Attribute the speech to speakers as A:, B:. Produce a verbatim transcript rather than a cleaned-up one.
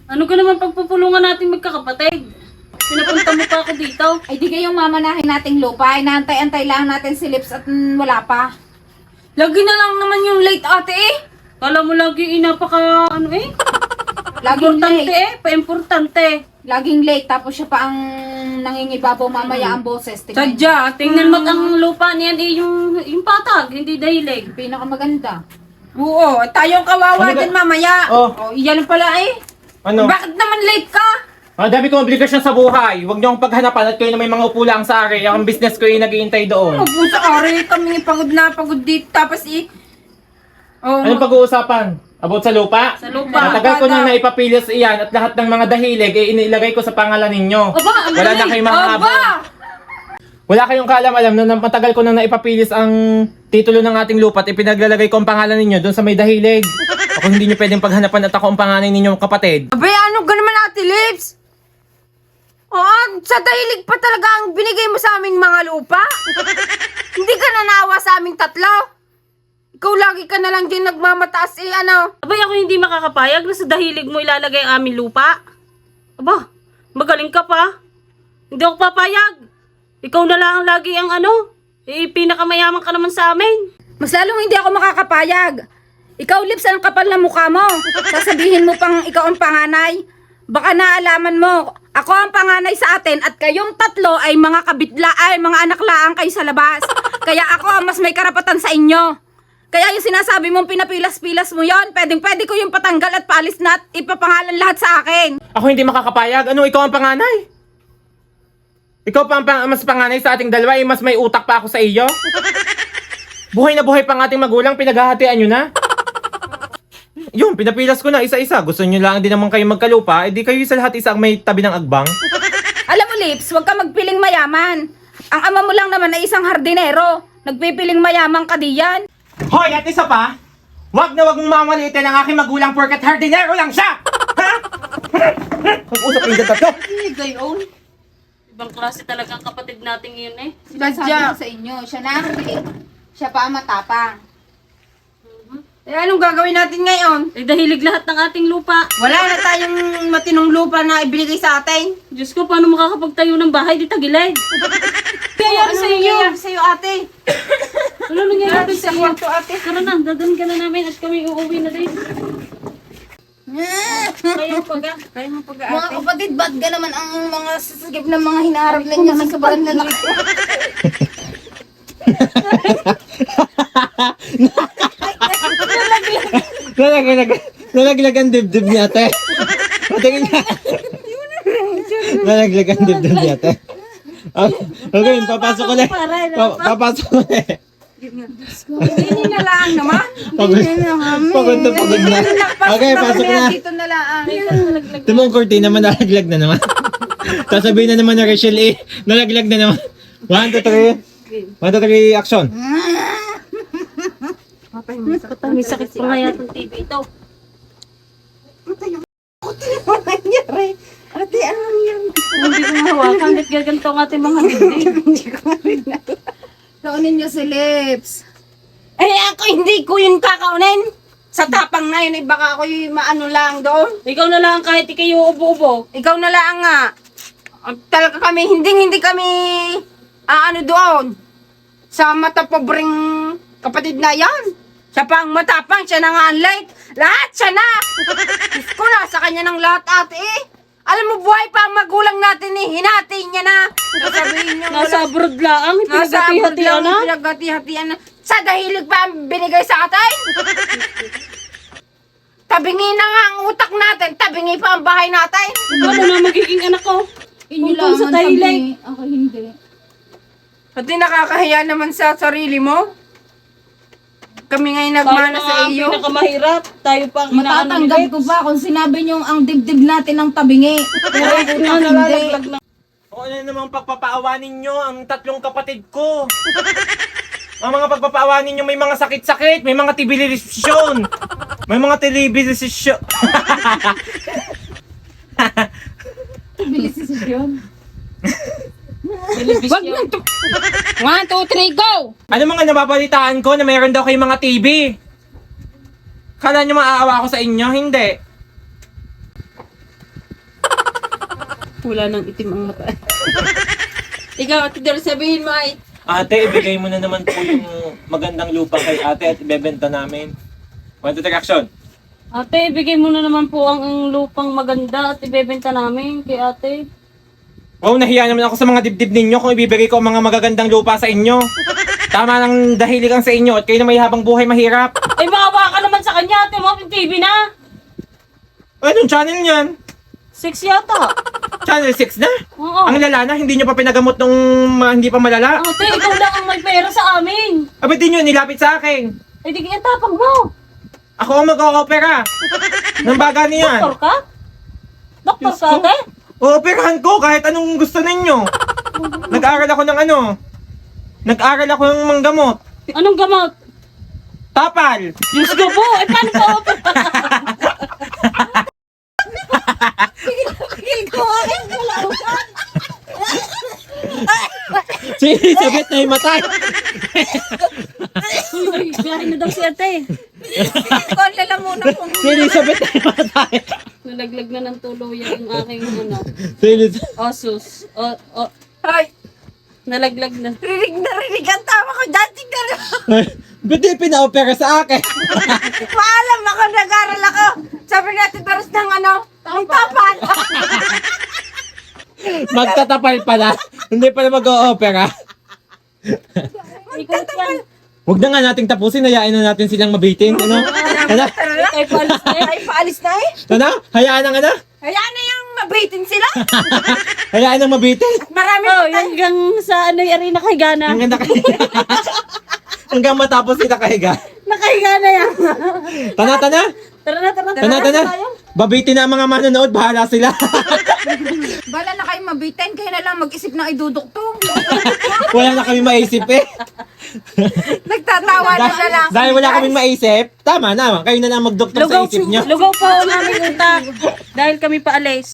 A: Ano ka naman pagpupulungan natin magkakapatid? Pinapunta mo pa ako dito.
B: Ay di kayong mamanahin nating lupa. Inaantay-antay lang natin si Lips at mm, wala pa.
A: Lagi na lang naman yung late ate eh. Kala mo lagi inapaka ano eh.
B: Laging
A: Importante
B: late.
A: eh, pa-importante.
B: Laging late. Tapos siya pa ang nangingibabaw mamaya ang boses. Tingnan niyo.
A: Sadya, tingnan mo ang lupa niyan eh, yung, yung patag, hindi dahilig.
B: Pinakamaganda.
C: Oo, tayong kawawa
D: Ano ba-
C: din mamaya.
D: Oh.
C: Oh, iyan pala eh.
D: Ano?
C: Bakit naman late ka?
D: Ang dami kong obligasyon sa buhay. Huwag niyo akong paghanapan at kayo na may mga upo lang sa ari. Ang business ko yung nag-iintay doon.
C: Opo sa ari, kami pagod na pagod dito. Tapos eh. Oh,
D: Anong pag-uusapan? About sa lupa?
A: Sa lupa.
D: Matagal ko nang naipapilis iyan at lahat ng mga dahilig ay inilagay ko sa pangalan ninyo.
A: Aba, ang
D: Wala na
A: galing.
D: kayong mga
C: Aba!
D: abon. Wala kayong kaalam-alam na matagal ko nang naipapilis ang titulo ng ating lupa at ipinaglalagay ko ang pangalan ninyo doon sa may dahilig. Ako hindi nyo pwedeng paghanapan at ako ang panganay ninyong kapatid.
C: Abay, ano ka naman Ate Lips? Oh, sa dahilig pa talaga ang binigay mo sa aming mga lupa? Hindi ka nanawa sa aming tatlo? Ikaw lagi ka na lang din nagmamataas eh, ano?
A: Abay, ako hindi makakapayag na sa dahilig mo ilalagay ang aming lupa. Aba, magaling ka pa. Hindi ako papayag. Ikaw na lang lagi ang ano, eh, pinakamayaman ka naman sa amin.
B: Mas lalong hindi ako makakapayag. Ikaw, Lips, ang kapal na mukha mo. Sasabihin mo pang ikaw ang panganay. Baka naalaman mo, ako ang panganay sa atin at kayong tatlo ay mga kabitla, ay mga anak laang kayo sa labas. Kaya ako ang mas may karapatan sa inyo. Kaya yung sinasabi mong pinapilas-pilas mo yon, pwedeng pwede ko yung patanggal at paalis na at ipapangalan lahat sa akin.
D: Ako hindi makakapayag. Ano, ikaw ang panganay? Ikaw pa ang pang- mas panganay sa ating dalawa, eh, mas may utak pa ako sa iyo. Buhay na buhay pang ating magulang, pinaghahatian nyo na. Yun, pinapilas ko na isa-isa. Gusto nyo lang din naman kayo magkalupa, edi kayo sa lahat isa ang may tabi ng agbang.
B: Alam mo, Lips, huwag ka magpiling mayaman. Ang ama mo lang naman ay isang hardinero. Nagpipiling mayaman ka diyan.
D: Hoy, at isa pa, wag na wag mong mamaliitin ang aking magulang porkat hardinero lang siya! Ha? Mag-usap yung tatlo.
A: Eh, gayon. Ibang klase talaga ang kapatid natin yun eh.
B: Sinasabi
C: Sadya.
B: ko sa inyo, siya na ang piling. Siya pa ang matapang.
C: Eh, anong gagawin natin ngayon?
A: Eh, dahilig lahat ng ating lupa.
C: Wala na tayong matinong lupa na ibinigay sa atin.
A: Diyos ko, paano makakapagtayo ng bahay di tagilid?
C: Kaya ano
A: sa iyo?
C: nangyayari sa'yo, ate?
A: Ano nangyayari
C: Sa
A: sa iyo?
C: kwarto, ate.
A: Tara na, dadan ka na namin at kami uuwi na din. Kayo pag
C: Kaya mo pag
B: Mga kapatid, ba't ka naman ang mga sasagip ng mga hinaharap ninyo sa sobrang lalaki ko?
D: Nalaglag, nalaglag ang dibdib niya, ate. Patingin niya. Nalaglag ang dibdib niya, ate. Ah, okay, papasok ko na. Pa- papasok ko na.
C: Hindi na lang naman.
D: Pagod, pagod na pagod na. Okay, pasok na.
B: Dito na lang.
D: Tumong kurti naman, nalaglag na naman. Sasabihin na naman na Rachel, eh, nalaglag na naman. One, two, three. One, two, three, action.
A: May sakit pa nga yata ng T V ito.
C: Nangyari. Ate, ano nangyari?
A: Hindi ko mahawakan. Ba't gaganto ang ating mga hindi?
C: Hindi ko rin na.
B: Kaunin niyo si Lips.
C: Eh, ako hindi ko yun kakaunin. Sa tapang na yun, eh, baka ako yung maano lang doon.
A: Ikaw na lang kahit ikayo ubo-ubo.
C: Ikaw na lang nga. Ah, Talaga kami, hindi hindi kami aano doon. Sa mata pobreng kapatid na yan. Siya pa ang matapang, siya na nga ang late. Lahat siya na. Diyos ko na, sa kanya ng lahat ate eh. Alam mo, buhay pa ang magulang natin eh. Hinati niya na. Sasabihin niya
A: Nasa abroad lang.
C: Nasa abroad
A: Pinagati-hatian
C: lang,
A: na.
C: pinagati-hatian na. Sa dahilig pa ang binigay sa atin. Tabingi na nga ang utak natin. Tabingi pa ang bahay natin.
A: Ano na magiging anak ko?
B: Inyo
A: Kung sa
B: ang
A: dahilig.
B: tabi. Ako hindi.
C: Pati nakakahiya naman sa sarili mo. Kami ngayon
A: Tayo
C: nagmana
A: na
C: sa
A: nga ang
C: iyo.
A: pinakamahirap. Tayo pa ang inaano ni
B: Matatanggap
A: Lex.
B: ko ba kung sinabi niyo ang dibdib natin ng tabingi? Pero
A: Ay,
B: ako
A: na,
B: hindi.
A: nalalaglag na.
D: O ano namang pagpapaawa ninyo, ang tatlong kapatid ko. Ang mga pagpapaawa ninyo may mga sakit-sakit, may mga tibilisasyon, may mga telebilisasyon.
B: Bilis yun.
C: Wag na to. One, two, three, go!
D: Ano mga nababalitaan ko na mayroon daw kayong mga T V? Kala nyo maaawa ako sa inyo? Hindi.
A: Wala nang itim ang mata.
C: Ikaw, Ate Dor, sabihin mo ay,
D: Ate, ibigay mo na naman po yung magandang lupa kay ate at ibebenta namin. One, two, three, action!
A: Ate, ibigay mo na naman po ang, ang lupang maganda at ibebenta namin kay ate.
D: Wow, nahiya naman ako sa mga dibdib ninyo kung ibibigay ko ang mga magagandang lupa sa inyo. Tama ng dahiligan sa inyo at kayo na may habang buhay mahirap.
A: Ay, maawa ka naman sa kanya, ate mo, T V na.
D: Anong channel niyan?
A: Six yata.
D: Channel six na?
A: Oo.
D: Ang lala na, hindi nyo pa pinagamot nung ma- hindi pa malala.
A: Ate, ikaw lang ang may pera sa amin.
D: Abit din yun, nilapit sa akin.
A: Ay, di kaya tapang mo.
D: Ako ang mag-o-opera. Nang baga niyan.
A: Doktor ka? Doktor
D: Diyos
A: ka,
D: ko.
A: ate?
D: O-operahan ko kahit anong gusto ninyo. Nag-aral ako ng ano. Nag-aral ako ng manggamot.
A: Anong gamot?
D: Tapal.
A: Diyos ko po, eh paano po?
D: Si Elizabeth na himatay.
A: Uy, biyahe na daw si ate.
B: Ko ang lalamunan kung
D: Si Elizabeth na himatay.
A: Nalaglag na ng tuluyan ang aking ano,
D: Si Elizabeth.
A: osus. O, o,
C: ay,
A: nalaglag na.
C: rinig na rinig ang tama ko dyan. Tignan mo.
D: Ba't di pina-opera sa akin?
C: Maalam ako, nag-aral ako. Sabi natin, Doris ng ano, ang tapan.
D: Magtatapal pala. Hindi pala mag-o-opera.
A: Ikaw yan.
D: Huwag na nga nating tapusin. Hayaan na natin silang mabitin. Ano? Ano?
A: Ay, palis na eh.
C: Ay, paalis na eh.
D: Ano? Hayaan na ano?
C: Hayaan na yung mabitin sila.
D: Hayaan na mabitin.
C: Marami
A: Oh,
C: pa tayo.
A: hanggang sa ano yung arena kay Gana.
D: Hanggang nakahiga. Hanggang matapos sila kahiga.
A: Nakahiga na yan.
D: Tana, tana.
A: Tara na, tara na.
D: Tana, tana. Babitin na ang mga manonood. Bahala sila.
B: bala na kayo mabitin, kayo na lang mag-isip na iduduktong.
D: Wala na kami maisip eh.
C: Nagtatawa na siya lang.
D: Dahil wala kaming maisip, tama naman. Kayo na lang magdoktor sa
A: Lugaw,
D: isip nyo.
A: lugaw po ang aming utak. Dahil kami paalis.